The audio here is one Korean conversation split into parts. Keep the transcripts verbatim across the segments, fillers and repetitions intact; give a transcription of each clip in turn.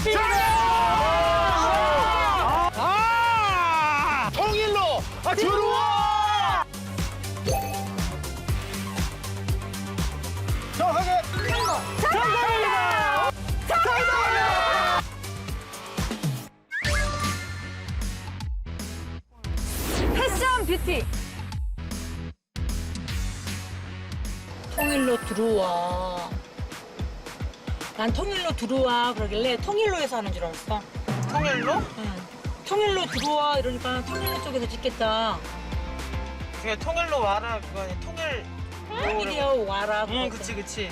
아! 아! 통일로 아, 들어와! 정확하게 정답입니다. 정답입니다. 패션 뷰티. 통일로 들어와. 난 통일로 들어와 그러길래 통일로에서 하는 줄 알았어. 통일로? 응. 통일로 들어와 이러니까 통일로 쪽에서 찍겠다. 그게 통일로 와라 그거니 통일. 통일이야 와라. 응, 그치 그치.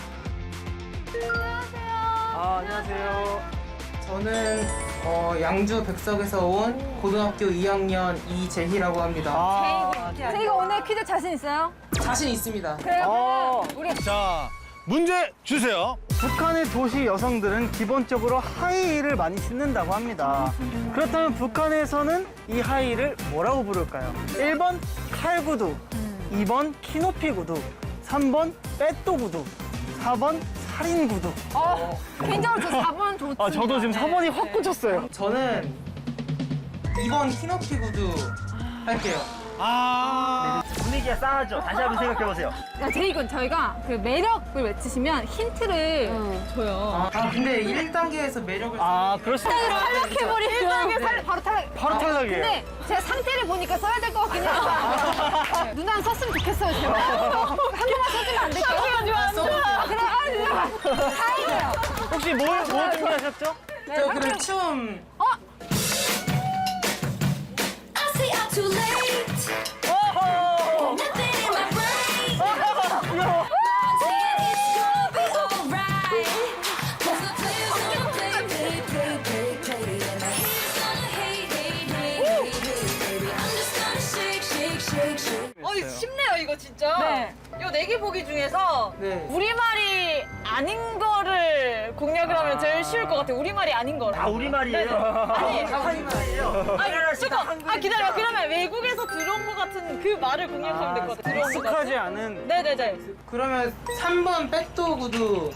아, 안녕하세요. 저는 어, 양주 백석에서 온 고등학교 이 학년 이재희라고 합니다. 아, 저희가 오늘 퀴즈 자신 있어요? 자신 있습니다. 그래요. 아. 우리 자, 문제 주세요. 북한의 도시 여성들은 기본적으로 하이힐을 많이 신는다고 합니다. 그렇다면 북한에서는 이 하이힐을 뭐라고 부를까요? 일 번 칼구두, 이 번 키높이 구두, 삼 번 빼또 구두, 사 번 살인 구두. 어, 개인적으로 저 사 번 좋습니다. 아, 저도 지금 사 번이 확 꽂혔어요. 저는 이 번 키높이 구두 할게요. 아, 분위기가 싸하죠. 다시 한번 생각해보세요. 야, 제이군 저희가 그 매력을 외치시면 힌트를 줘요. 아, 근데 일 단계에서 매력을 아, 그럴 수 있어요. 탈락해버리면 일 단계 살 바로 탈락. 바로 탈락이에요. 근데 제가 상태를 보니까 써야 될 것 같긴 해요. 누나는 썼으면 좋겠어요, 제발. 한 번만 써주면 안 될까요? 안 좋아, 안 좋아. 그래, 아, 누나. 다행이에요. 혹시 뭘, 뭘 준비하셨죠? 저 그럼 춤. 어? I stay out too late. Nothing in my brain. Saying it's gonna be alright. 'Cause the players gonna play, play, play, play, play. And the haters gonna hate, hate, hate, hate, hate, baby. I'm just gonna shake, shake, shake, shake. 어, 이거 쉽네요 이거 진짜. 네. 요 네 개 보기 중에서 네. 우리말이 아닌 거를 공략을 하면 제일 쉬울 것 같아요. 우리말이 아닌 거를. 아, 우리말이에요? 아니, 한국말이에요? 아니, 잠깐. 아, 기다려. 그러면 외국에서 들어온 것 같은 그 말을 공략하면 될 것 같아요. 들어온 것 익숙하지 같은. 않은. 네네네. 그러면 삼 번 빼또 구두.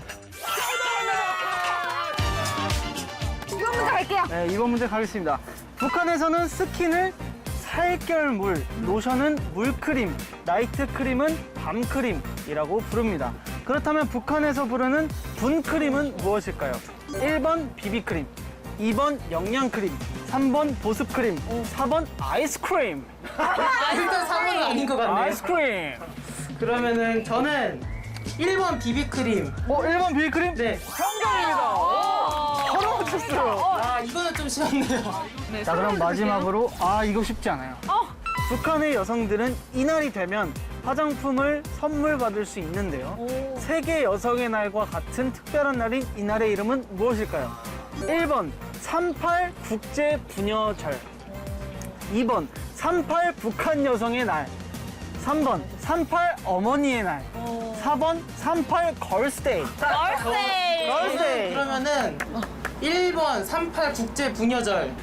이번 문제 갈게요. 네, 이번 문제 가겠습니다. 북한에서는 스킨을 살결물, 로션은 물크림, 나이트크림은 밤크림이라고 부릅니다. 그렇다면 북한에서 부르는 분크림은 무엇일까요? 일 번 비비크림, 이 번 영양크림, 삼 번 보습크림, 사 번 아이스크림. 일단 삼 번은 아닌 것 같네요. 아이스크림. 그러면은 저는 일 번 비비크림. 뭐 일 번 비비크림? 네. 정답입니다. 바로 맞췄어요. 아, 이거는 좀 쉬웠네요. 자, 그럼 마지막으로 아 이거 쉽지 않아요. 북한의 여성들은 이날이 되면 화장품을 선물 받을 수 있는데요. 세계 여성의 날과 같은 특별한 날인 이날의 이름은 무엇일까요? 일 번 삼팔 국제 부녀절, 이 번 삼팔 북한 여성의 날, 삼 번 삼팔 어머니의 날, 사 번 삼팔 걸스데이. 얼세. 걸스데이. 그러면은 일 번 삼팔 국제 부녀절.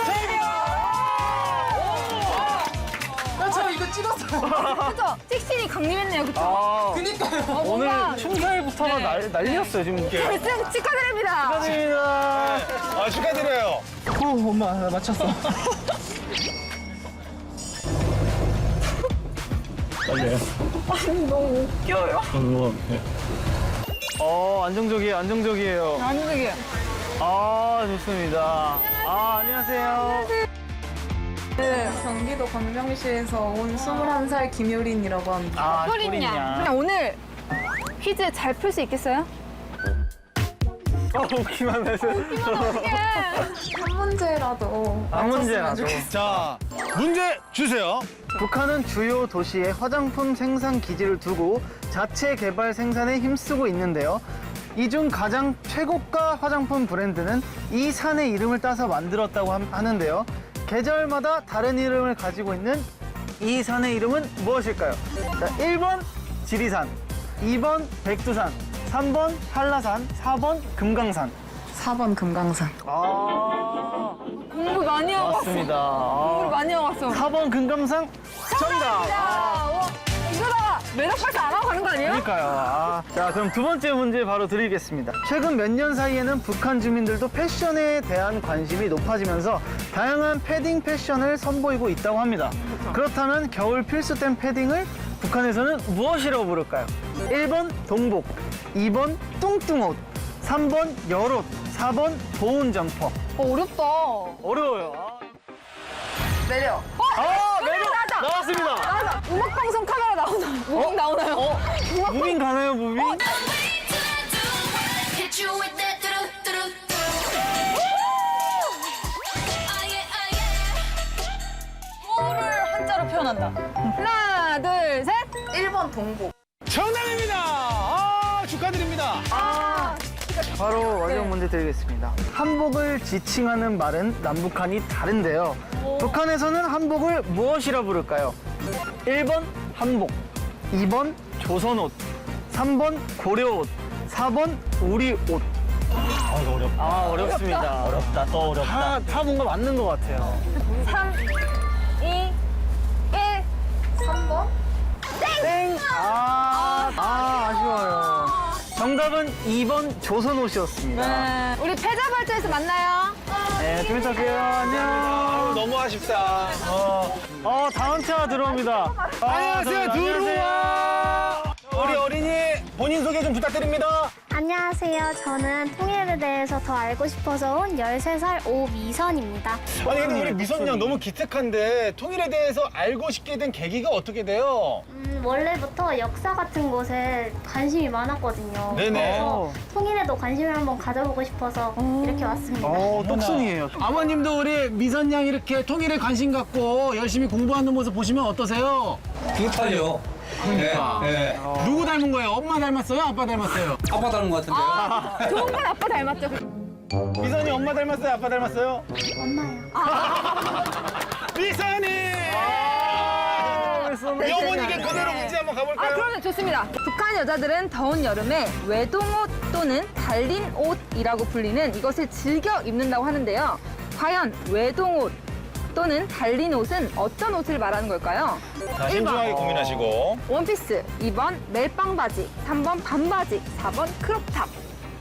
아, 저 이거 찍었어요. 그죠? 섹신이 강림했네요, 그쵸? 아, 그니까요. 오늘 뭔가- 춤사위부터가 날, 난리였어요 지금. 결승 축하드립니다. 축하드립니다. 아, 축하드려요. 오, 엄마 나 맞췄어. 어, 안정적이에요, 안정적이에요. 안녕하세요. 아, 좋습니다. 아, 안녕하세요. 네, 경기도 광명시에서 온 스물한 살 김효린이라고 합니다. 아, 효린양. 그냥 오늘 퀴즈 잘 풀 수 있겠어요? 아, 웃기만 해서. 어떡해. 한 문제라도 한 문제라도. 자, 문제 주세요. 북한은 주요 도시에 화장품 생산 기지를 두고 자체 개발 생산에 힘쓰고 있는데요. 이 중 가장 최고가 화장품 브랜드는 이 산의 이름을 따서 만들었다고 함- 하는데요. 계절마다 다른 이름을 가지고 있는 이 산의 이름은 무엇일까요? 자, 일 번 지리산, 이 번 백두산, 삼 번 한라산, 사 번 금강산. 사 번 금강산. 아, 공부 많이 하고 왔어. 맞습니다. 공부를 아, 많이 하고 왔어. 사 번 금강산 정답. 자, 와, 이거다. 매력 발산 안 하고 가는 거 아니에요? 그러니까요. 아, 자, 그럼 두 번째 문제 바로 드리겠습니다. 최근 몇 년 사이에는 북한 주민들도 패션에 대한 관심이 높아지면서 다양한 패딩 패션을 선보이고 있다고 합니다. 그렇다면 겨울 필수템 패딩을 북한에서는 무엇이라고 부를까요? 일 번 동복, 이 번 뚱뚱옷, 삼 번 열옷, 사 번 보온 점퍼. 어, 어렵다. 어려워요. 매력. 어? 아, 매력 나왔다. 나왔습니다. 나왔다. 음악 방송 카메라 나오나? 무빙 나오나요? 어? 무빙 가나요, 무빙? Hit you with that do-do-do-do. Ah, yeah, ah, yeah. 호를 한자로 표현한다. 하나, 둘, 셋. 일 번 동복. 정답입니다. 아, 축하드립니다. 아, 바로 마지막 문제 드리겠습니다. 한복을 지칭하는 말은 남북한이 다른데요. 북한에서는 한복을 무엇이라 부를까요? 일 번 한복, 이 번 조선옷, 삼 번 고려옷, 사 번 우리옷. 아, 이거 어렵다. 아, 어렵습니다. 어렵다, 또 어렵다. 다, 다 뭔가 맞는 것 같아요. 삼, 이, 일. 삼 번? 땡! 아, 아, 아쉬워요. 정답은 이 번 조선옷이었습니다. 네. 우리 패자발전에서 만나요. 네, 좀 이따 봬요. 안녕. 아유, 너무 아쉽다. 어. 어, 다음 차 들어옵니다. 아, 안녕하세요, 들어옵니다. 들어와. 우리 어린이 본인 소개 좀 부탁드립니다. 안녕하세요. 저는 통일에 대해서 더 알고 싶어서 온 열세 살 오미선입니다. 아니 근데 우리 미선 양 너무 기특한데 통일에 대해서 알고 싶게 된 계기가 어떻게 돼요? 음, 원래부터 역사 같은 곳에 관심이 많았거든요. 네네. 그래서 통일에도 관심을 한번 가져보고 싶어서 이렇게 왔습니다. 어, 똑순이에요. 아버님도 우리 미선 양 이렇게 통일에 관심 갖고 열심히 공부하는 모습 보시면 어떠세요? 비슷하죠. 그러니까. 네, 네. 누구 닮은 거예요? 엄마 닮았어요? 아빠 닮았어요? 아빠 닮은 것 같은데요. 좋은 건 아빠 닮았죠. 미선이 엄마 닮았어요? 아빠 닮았어요? 엄마요. 미선이! 우리 어머니께 그대로 문제 한번 아, 가볼까요? 그러면 좋습니다. 북한 여자들은 더운 여름에 외동옷 또는 달린 옷이라고 불리는 이것을 즐겨 입는다고 하는데요. 과연 외동옷 또는 달린 옷은 어떤 옷을 말하는 걸까요? 자, 신중하게 고민하시고. 원피스, 이 번 멜빵 바지, 삼 번 반바지, 사 번 크롭탑.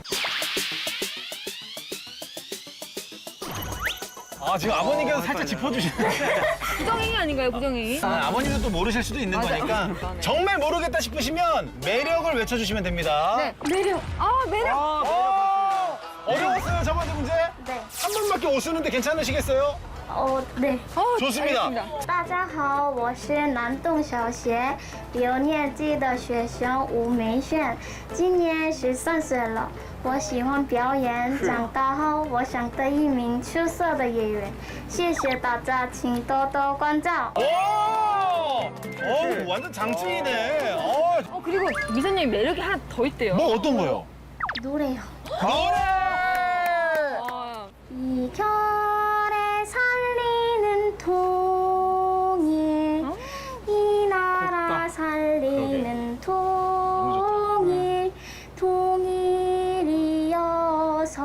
아, 지금 아버님께서 살짝 짚어주시네. 부정행위 아닌가요, 부정행위? 아, 아버님도 또 모르실 수도 있는 맞아. 거니까 정말 모르겠다 싶으시면 매력을 외쳐주시면 됩니다. 네, 매력. 아, 매력. 어, 어려웠어요, 저번에 문제? 네. 한 번밖에 못 쓰는데 괜찮으시겠어요? 어, 네. 어, 좋습니다. 알겠습니다. 大家好，我是南洞小学六年级的学生吴梅炫，今年十三岁了。我喜欢表演，长大后我想当一名出色的演员。谢谢大家，请多多关照。 오! 어, 완전 장충이네. 어, 어, 그리고 미선님이 매력이 하나 더 있대요. 뭐 어떤 거요? 노래요. 노래! 어, 이 겨울에 살리는 통일, 이 나라 살리는 통일, 통일이여서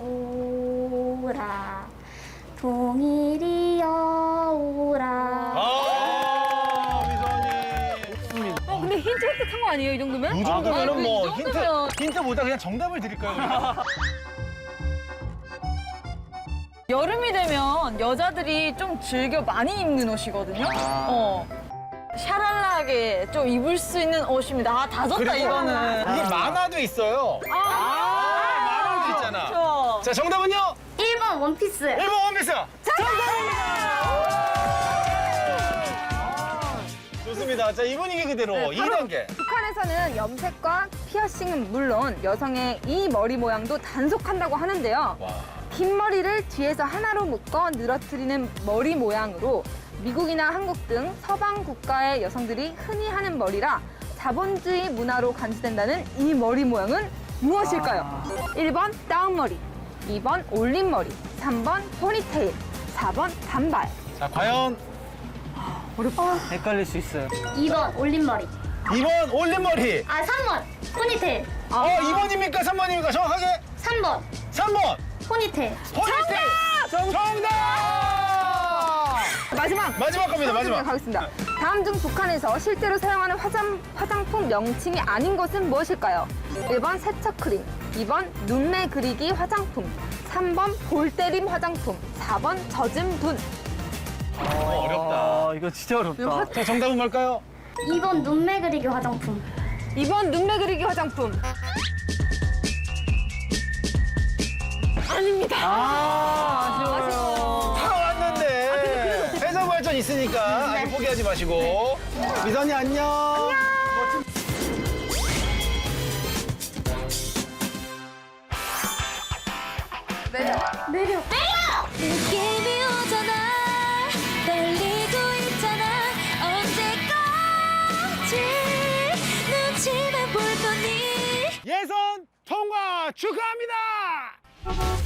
오라, 통일이여 오라. 아, 미선이. 어, 근데 힌트 획득한 거 아니에요, 이 정도면? 이 정도면은 아, 뭐 이 힌트, 정도면. 힌트보다 그냥 정답을 드릴까요? 우리가? 여름이 되면 여자들이 좀 즐겨 많이 입는 옷이거든요. 어. 샤랄라하게 좀 입을 수 있는 옷입니다. 아, 다 졌다, 그리고 이거는. 이게 만화도 있어요. 아, 만화도 있잖아. 그렇죠. 자, 정답은요? 일 번 원피스. 일 번 원피스. 좋습니다. 자, 이 분위기 그대로 이 단계. 북한에서는 염색과 피어싱은 물론 여성의 이 머리 모양도 단속한다고 하는데요. 와. 긴 머리를 뒤에서 하나로 묶어 늘어뜨리는 머리 모양으로 미국이나 한국 등 서방 국가의 여성들이 흔히 하는 머리라 자본주의 문화로 간주된다는 이 머리 모양은 무엇일까요? 일 번 다운머리, 이 번 올림머리, 삼 번 포니테일, 사 번 단발. 자, 과연 헷갈릴 수 있어요. 이 번 올림머리. 이 번 올림머리. 아, 삼 번 포니테일. 어, 이 번입니까? 삼 번입니까? 정확하게? 삼 번 삼 번. 포니테일. 포니테일. 정답! 정답! 마지막. 마지막 겁니다, 마지막. 가겠습니다. 다음 중 북한에서 실제로 사용하는 화장, 화장품 명칭이 아닌 것은 무엇일까요? 일 번 세척 크림, 이 번 눈매 그리기 화장품, 삼 번 볼 때림 화장품, 사 번 젖은 분. 어렵다. 아, 이거 진짜 어렵다. 자, 정답은 뭘까요? 이 번 눈매 그리기 화장품. 이 번 눈매 그리기 화장품. 아닙니다. 아, 아쉬워요. 다 왔는데. 해서 발전 있으니까 아직 포기하지 마시고. 미선이 안녕. 안녕. 내려. 내려. 느낌이 오잖아 떨리고 있잖아 언제까지 눈치만 볼 거니 예선 통과 축하합니다.